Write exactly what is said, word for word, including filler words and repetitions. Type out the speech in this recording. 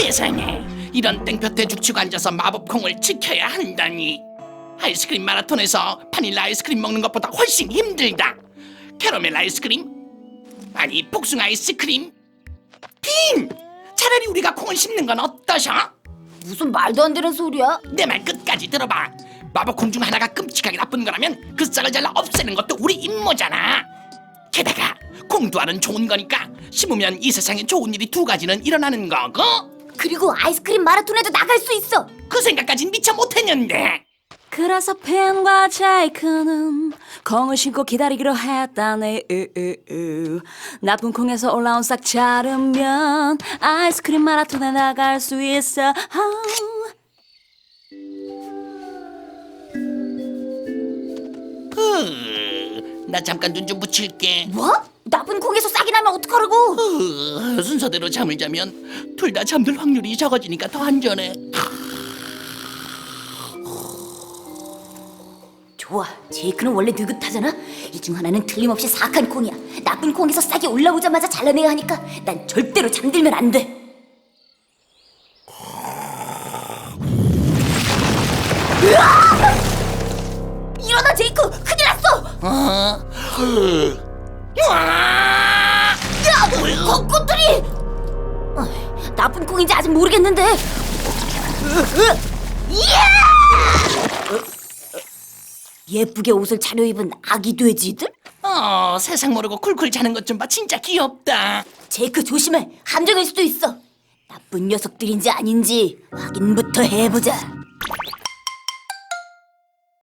세상에, 이런 땡볕에 죽치고 앉아서 마법콩을 지켜야 한다니. 아이스크림 마라톤에서 바닐라 아이스크림 먹는 것보다 훨씬 힘들다. 캐러멜 아이스크림? 아니, 복숭아 아이스크림? 빈! 차라리 우리가 콩을 씹는 건 어떠셔? 무슨 말도 안 되는 소리야? 내 말 끝까지 들어봐. 마법콩 중 하나가 끔찍하게 나쁜 거라면 그 싹을 잘라 없애는 것도 우리 임무잖아. 게다가 콩두알은 좋은 거니까 씹으면 이 세상에 좋은 일이 두 가지는 일어나는 거고, 그리고 아이스크림 마라톤에도 나갈 수 있어. 그 생각까진 미처 못했는데. 그래서 펜과 제이크는 콩을 신고 기다리기로 했다네. 으으으. 나쁜 콩에서 올라온 싹 자르면 아이스크림 마라톤에 나갈 수 있어. 흐, 나 잠깐 눈 좀 붙일게. 뭐? 나쁜 콩에서 싹이 나면 어떡하라고? 흐, 순서대로 잠을 자면 둘 다 잠들 확률이 적어지니까 더 안전해. 좋아, 제이크는 원래 느긋하잖아. 이 중 하나는 틀림없이 사악한 콩이야. 나쁜 콩에서 싹이 올라오자마자 잘라내야 하니까 난 절대로 잠들면 안 돼. 으아! 일어나, 제이크! 큰일 났어! 어? 흐. 으아! 야, 콩꽃들이! 어, 나쁜 콩인지 아직 모르겠는데. 으, 으, 이야! 예쁘게 옷을 차려입은 아기 돼지들? 어, 세상 모르고 쿨쿨 자는 것 좀 봐. 진짜 귀엽다. 제이크 조심해. 함정일 수도 있어. 나쁜 녀석들인지 아닌지 확인부터 해보자.